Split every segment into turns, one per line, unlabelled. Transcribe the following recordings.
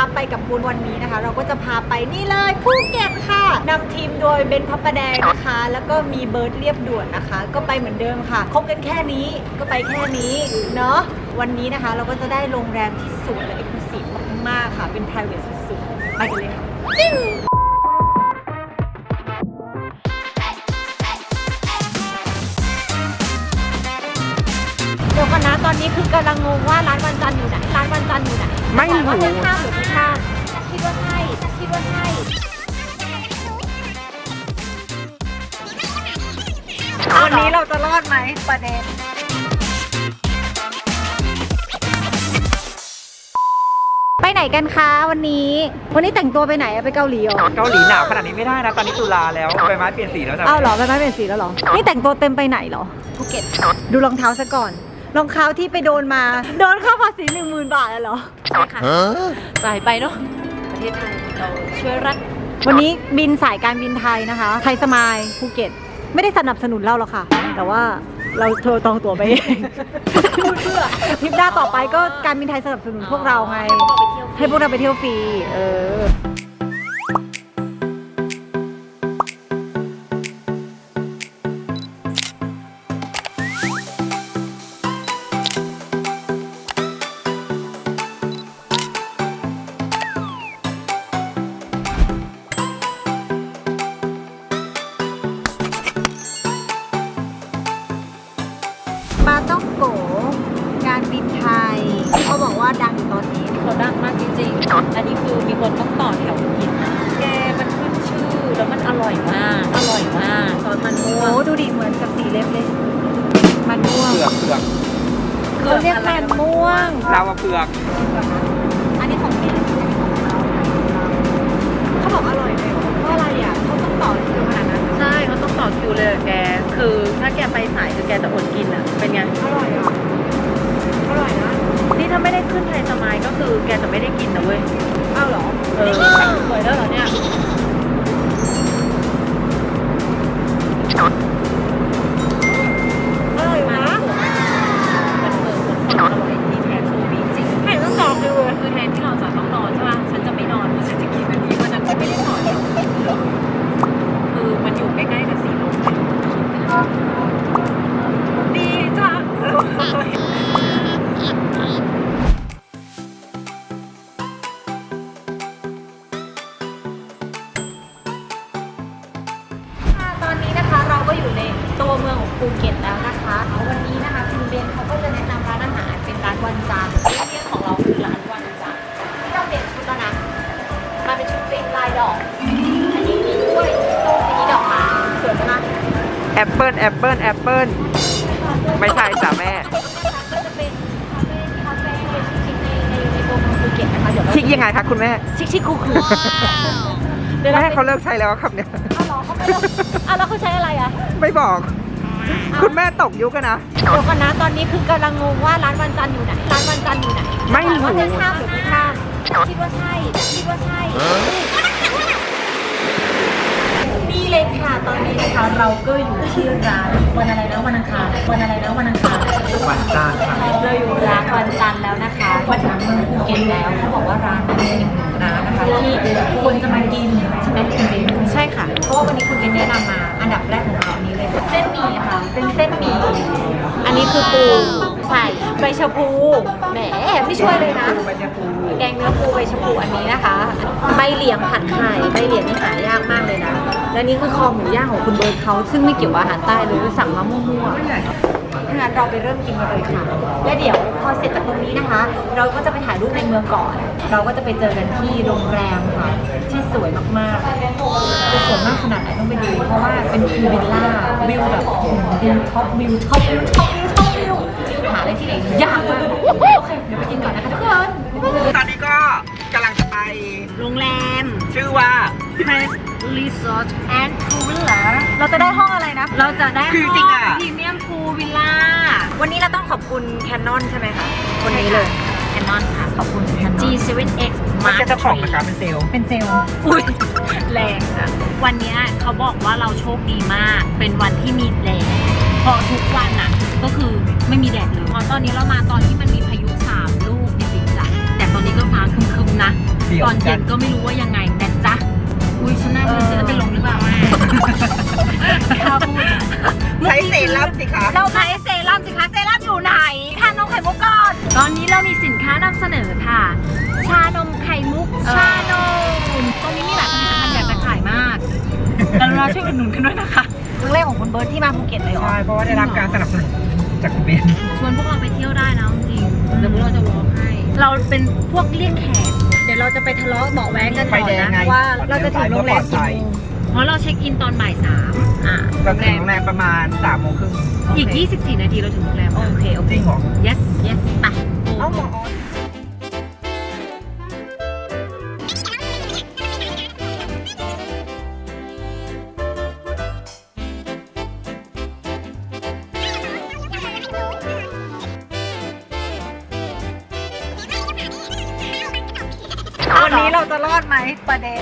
ไปกับบุญวันนี้นะคะเราก็จะพาไปนี่เลยภูเก็ตค่ะนำทีมโดยเบนพับประแดงนะคะแล้วก็มีเบิร์ดเรียบด่วนนะคะก็ไปเหมือนเดิมค่ะคบกันแค่นี้ก็ไปแค่นี้เนาะวันนี้นะคะเราก็จะได้โรงแรมที่สวยและเอกลุศิมากๆค่ะเป็น private สุดๆไปกันเลยค่ะเดี๋ยวก่อนนะตอนนี้คือกำลังงงว่าร้านวันจันทร์อยู่ไหนร้านวันจันทร์อยู่ไหนไม่รู้ว่าเป็นข้ามหรือไม่ข้ามคิดว่าใช่คิดว่าใช่วันนี้เราจะรอดไหมประเด็นไปไหนกันคะวันนี้แต่งตัวไปไหนอะไปเกาหลีเหรอ
เกาหลีหนาวขนาดนี้ไม่ได้นะตอนนี้ตุลาแล้วใบไม้เปลี่ยนสีแล้วจ้ะ
อ้าวเหรอใบไม้เปลี่ยนสีแล้วเหรอนี่แต่งตัวเต็มไปไหนเหรอภูเก็ตดูรองเท้าซะก่อนรองเท้าที่ไปโดนมาโดนค่าภาษี 10,000 บาทเหรอใช่ค่ะจ่ายไปเนาะประเทศไทยเราช่วยรัฐวันนี้บินสายการบินไทยนะคะไทยสมายภูเก็ตไม่ได้สนับสนุนเราหรอกค่ะแต่ว่าเราโทรตองตั๋วไปเองเพื่อทริปหน้าต่อไปก็การบินไทยสนับสนุนพวกเราไงให้พวกเราไปเที่ยวฟรีปาต้องโกการบินไทยที่เขาบอกว่าดังอยู่ตอนนี้เขาดังมากจริงๆอันนี้คือมีคนต้องต่อแถวกินนะแกมันขึ้นชื่อแล้วมันอร่อยมากซอสมันม่วงโอ้ดูดิเหมือนกับสีเล็บเลยมันม่วง
เผือก
เขาเรียกมันม่วง
เราเผือก
อันนี้ของแกเขาบอกอร่อยเลยเพราะอะไรอ่ะเขาต้องต่อคิวขนาดนั้น
ใช่เขาต้องต่อคิวเลยแกคือถ้าแกไปสายคือแกจะอดกินอ่ะเป็นไง
อร่อยอ่ะอร่อยนะ
นี่ถ้าไม่ได้ขึ้นไทยสมายก็คือแกจะไม่ได้กินนะเว้ย
อ้าวเหรอ
สวยแล้วเหรอเนี่ย
อร่อยนะ
มันอร่อยที่แทนโชว์บีจริงให้ต้องต่อคิวเลยคือแทนที่เราจะต้องนอนใช่ป่ะฉันจะไม่นอนฉันจะกินอันนี้วันนั้นฉันไม่ได้นอนคือมันอยู่ใกล้ๆกับสีลมดีจัง
ตอนนี้นะคะเราก็อยู่ในตัวเมืองของภูเก็ตแล้วนะคะวันนี้นะคะคุณเบนเขาก็จะแนะนำร้านอาหารเป็นร้านวันจันทร์ที่ของเราคือร้านวันจันทร์ที่เราเปลี่ยนชุดแล้วนะมาเป็นชุดตีมลายดอกอันนี้มีกล้วยต้นนี้ดอกไม้สวยมาก
แอปเปิ้ลไม่ใช่จ้ะแม่
ก็จะเป็นคาเฟ่ชิคๆในตัวเมืองภูเก็ตนะคะเดี๋ยว
ชิคยังไงคะคุณแม่
ชิคคูล
แม่เขาเลิกใช้แล้วครับเนี่ย
อ้าวแล้วเขาใช้อะไรอ่ะ
ไม่บอกคุณแม่ตกยุคกันนะ
เดี๋ยวก่อนนะตอนนี้คือกำลังงงว่าร้านวันจันทร์อยู่ไหนร้านวันจันทร์อยู่ไหน
ไม่รู้
ว่าจะข้ามหรือไม่ข้ามคิดว่าใช่นี่เลยค่ะตอนนี้นะคะเราก็อยู่ที่ร้านวันอะไรนะวันอังคารวันจันทร์เราอยู่ร้านวันจันทร์แล้วนะคะมาถึงเมืองภูเก็ตแล้วเขาบอกว่าร้านนี้เป็นอีกหนึ่งร้านนะคะที่คนจะมากินใช่ไหมคุณเบนใช่ค่ะเพราะว่าวันนี้คุณเบนแนะนำมาอันดับแรกของเราอันนี้เลยเส้นหมี่ค่ะเป็นเส้นหมี่อันนี้คือปูใส่ใบชะพูแหมไม่ช่วยเลยนะแกงเนื้อปูใบชะพูอันนี้นะคะใบเหลียงผัดไข่ใบเหลียงนี่หายากมากเลยนะและนี่คือคอหมูย่างของคุณเบิร์ดเขาซึ่งไม่เกี่ยวกับอาหารใต้เลยสั่งมามั่วๆถ้างั้นเราไปเริ่มกินกันเลยค่ะและเดี๋ยวพอเสร็จจากตรงนี้นะคะ เราก็จะไปถ่ายรูปในเมืองก่อนเราก็จะไปเจอกันที่โรงแรมค่ะที่สวยมากๆจะสวยมากขนาดไหนต้องไปดูเพราะว่าเป็นพูลวิลล่าวิวแบบวิวท็อปวิวหาอะไรที่ไหนยากมากโอเคเดี๋ยวไปกินก่อนนะคะทุกคน
ตอนนี้ก็กำลังจะไป
โรงแรม
ชื่อว่า
Press Resort and Pool Villa เราจะได้ห้องอะไรนะเราจะได้ห้อง Premium Pool Villa วันนี้เราต้องขอบคุณ Canon ใช่ไหมคะคนนี้เลย Canon ค่ะขอบคุณ G7X
มันจะเจ้าของนะคะเป็นเซลล์
อุ้ยแรงค่ะวันนี้เขาบอกว่าเราโชคดีมากเป็นวันที่มีแดดพอทุกวันอ่ะก็คือไม่มีแดดเลยพอตอนนี้เรามาตอนที่มันมีพายุ3 ลูกจริงๆจ้ะแต่ตอนนี้ก็ฟ้าครึมๆนะตอนเย็นก็ไม่รู้ว่ายังไงนะจ๊ะอุ้ยฉันน่าจะเป็นลมหรือเปล่าแม่ข้าวพูด
ใช้เซรั่มสิคะ
เราใช้เซรั่มสิคะเซรั่มอยู่ไหนทานนมไข่มุกก่อนตอนนี้เรามีสินค้านำเสนอค่ะ ชานมไข่มุกชานมตรงนี้มีหลายผลิตภัณฑ์อยากจะขายมากแล้วเราช่วยอุดหนุนกันด้วยนะคะ
ครั้งแรกของคุณเบิร์ตที่มาภูเก็ตเลยเหรอ
ใช่เพราะว่าได้รับการสนับสนุนจากคุณเบน
ชวนพวกเราไปเที่ยวได้นะจริงๆเดี๋ยวพวกเราจะวอล์กให้ เราเป็นพวกเลี่ยงแขก เดี๋ยวเราจะไปทะเลาะเบาะแว้งกันก่อนนะว่าเราจะถึงโรงแรมกี่โมงเพราะเราเช็คอินตอนบ่าย 3
เราถึงโรงแรมประมาณ3 โมงครึ่ง
อีก 24 นาทีเราถึงโรงแรม
โอเค
จริงเหรอ
yes yes ไป
เอาหมอ
วันนี้เราจะรอดไหมประเด็น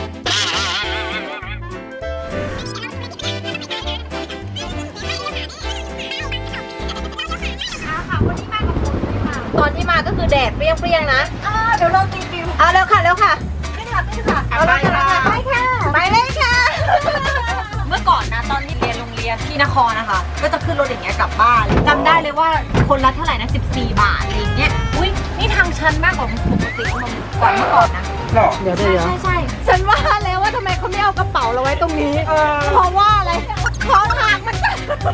ตอนที่มาก็คือแดดเปรี้ยงๆนะเดี๋ยวเราตีฟิวเร็วค่ะเร็วค่ะขึ้นค่ะขึ้นค่ะเอาเลยค่ะไปค่ะไปเลยค่ะ เมื่อก่อนนะตอนที่เรียนโรงเรียนที่นครนะคะก็จะขึ้นรถอย่างเงี้ยกลับบ้านจำได้เลยว่าคนละเท่าไหร่นะ14 บาทอะไรอย่างเงี้ยอุ้ยนี่ทางชันมากกว่าปกติกว่าเมื่อก่อนนะ
หรอ
ใช่ฉันว่าแล้วว่าทำไมเขาไม่เอากระเป๋าเราไว้ตรงนี้เพราะว่าอะไรของห่างมัน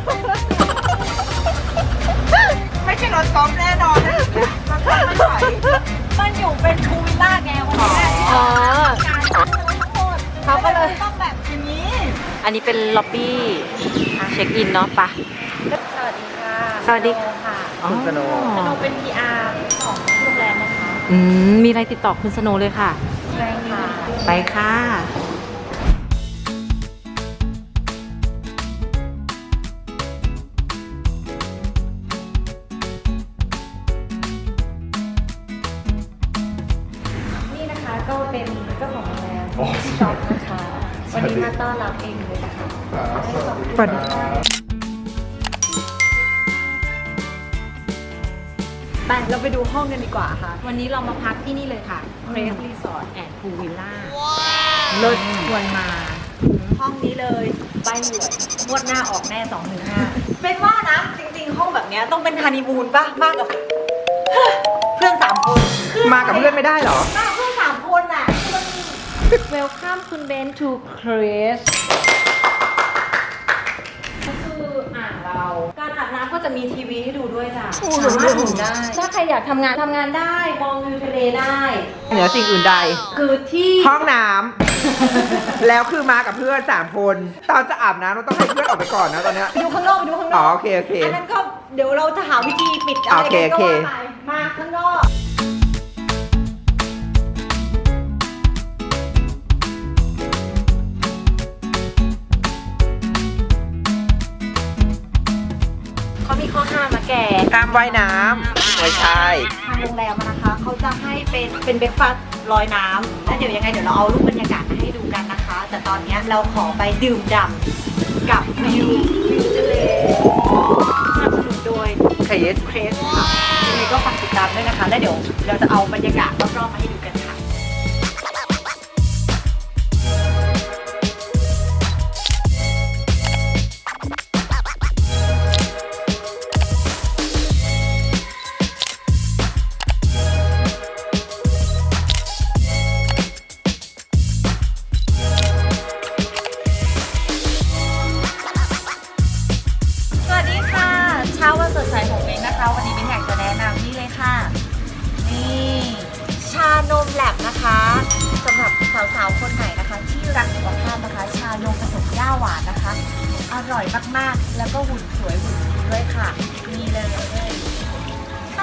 ไม่ใช่รถกอล์ฟแน่นอนนะมันไม่ไหว
มันอยู่เป็นพูลวิลล่าไงวันนี้เขาก็เลยต้องแบบอย่างนี้
อันนี้เป็นล็อบบี้เช็คอินเนาะปะ
สวัสดีค่ะ
สวัสดี
ค่ะ
คุณสโนว์
สโนเป็น PR ของโรงแรมนะคะ
มีอะไรติดต่อคุณสโนว์เลยค่ะ
ใช่ค่ะ
ไปค่ะ
นี่นะคะก็เป็นเจ้าของโรงแรมที่ช็อปนะคะ วันนี้มาต้อนรับเองเลยนะคะ
ปัด
ไปเราไปดูห้องกันดีกว่าค่ะ วันนี้เรามาพักที่นี่เลยค่ะ Crave Resort and Pool Villa เลิศควรมา ห้องนี้เลยใบหวยงวดหน้าออกแน่215เป็นว่านะ จริงๆ ห้องแบบเนี้ยต้องเป็นฮันนีมูนป่ะ มากกับ เพื่อน3 คน
มากับเพื่อนไม่ได้เหรอ
มากับเพื่อน3 คนน่ะ Welcome คุณเบน to Crave ก็คืออ่างเรา การอาบน้ำก็จะมีทีวีให้ดูด้วยจ้ะสามารถดูได้ ถ้าใครอยากทำงานได้ มองวิวทะเลได้
เหนือสิ่งอื่นใด
คือที่
ห้องน้ำ แล้วคือมากับเพื่อน3 คน ตอนจะอาบน้ำเราต้องให้เพื่อนออกไปก่อนนะตอนเนี้ย
ไปดูข้างนอกไปดูข้างน
อ๋
อ
อก โอเคโอเค
อันนั้นก็เดี๋ยวเราจะหาวิธีปิดอะไร
โอเค
กันก็
โอเค
ว่าไปมาข้างนอก เขามีข้อห้ามนะแก
ห้ามว่ายน้ำไม่ใช่
ทางโรงแรมอะนะคะ เขาจะให้เป็นเบรกฟาสต์ลอยน้ำแล้วเดี๋ยวยังไงเดี๋ยวเราเอารูปบรรยากาศมาให้ดูกันนะคะ แต่ตอนเนี้ยเราขอไปดื่มด่ำกับวิวทะเลสนับสนุนโดย
เคส
เครสค่ะยังไงก็ฝากติดตามด้วยนะคะ แล้วเดี๋ยวเราจะเอาบรรยากาศรอบๆมาให้ดูกันค่ะ สวัสดีค่ะ เช้าวันสดใสของเบนนะคะ วันนี้เบนอยากจะแนะนำนี่เลยค่ะ นี่ชานมแลบนะคะสำหรับสาวๆคนไหนนะคะ ที่รักสุขภาพนะคะ ชานมผสมหญ้าหวานนะคะ อร่อยมากๆ แล้วก็หุ่นสวยหุ่นดีด้วยค่ะนี่เลยค่ะ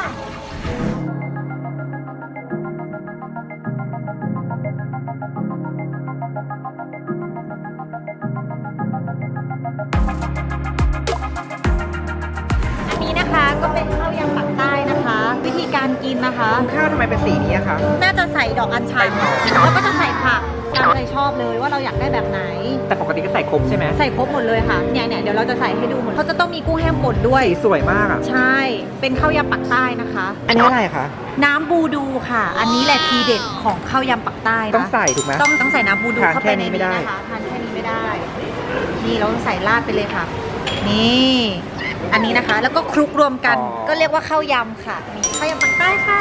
อันนี้นะคะก็เป็นข้าวยำปักใต้นะคะ วิธีการกิน
กินนะคะ
คุณข้าวทำไมเป็นสีนี้อะคะ
น่าจะใส่ดอกอัญชันแล้วก็จะใส่ผักตามใจชอบเลยว่าเราอยากได้แบบไหน
แต่ปกติก็ใส่ครบใช่ไหม
ใส่ครบหมดเลยค่ะเนี่ยเดี๋ยวเราจะใส่ให้ดูหมดเขาจะต้องมีกุ้งแห้งป่นด้วย
สีสวยมากอะ
ใช่ เป็นข้าวยำปักใต้นะคะ
อันนี้อะไรคะ
น้ำบูดูค่ะ อันนี้แหละทีเด็ดของข้าวยำปักใต้นะ
ต้องใส่ถูกไหม
ต้องใส่น้ำบูดู
ทาน
เข้า
แค่
ไปใน
นี้ไม่
นี้
ได้
นะคะทานแค่นี้ไม่ได้ นี่เราใส่ราดไปเลยค่ะ นี่อันนี้นะคะ แล้วก็คลุกรวมกันก็เรียกว่าข้าวยำค่ะนี่ข้าวยำปักใต้ค่ะ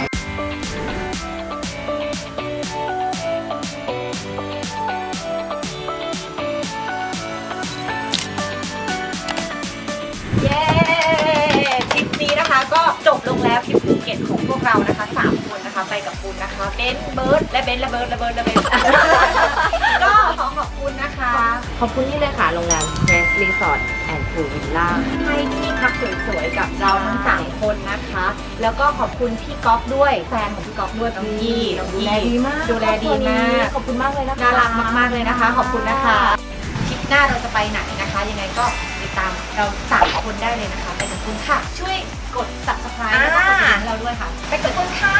เย้ทริปนี้นะคะก็จบลงแล้วทริปภูเก็ตของพวกเรานะคะ3คนนะคะไปกับคุณนะคะเบนเบิร์ดและเบนและเบิร์ดและเบิร์ดและเบน ก็ขอขอบคุณนะคะ
ขอบคุณนี่เลยค่ะโรงแรม Grace Resort and Pool Villa
ให้ที่พักสวยๆกับเราทั้ง3คนนะคะ แล้วก็ขอบคุณพี่ก๊อฟด้วยแฟนของพี่ก๊อฟด้วยพี่ยี่
ดูแลดีมาก
ดูแลดีมาก
ขอบคุณมากเลยนะคะ
น่ารักมากๆเลยนะคะ ขอบคุณนะคะคลิปหน้าเราจะไปไหนนะคะ ยังไงก็ติดตามเรา3คนได้เลยนะคะ ไปกับคุณค่ะ ช่วยกด subscribe แล้วก็กดกระดิ่งให้เราด้วยค่ะ ไปกับคุณค่ะ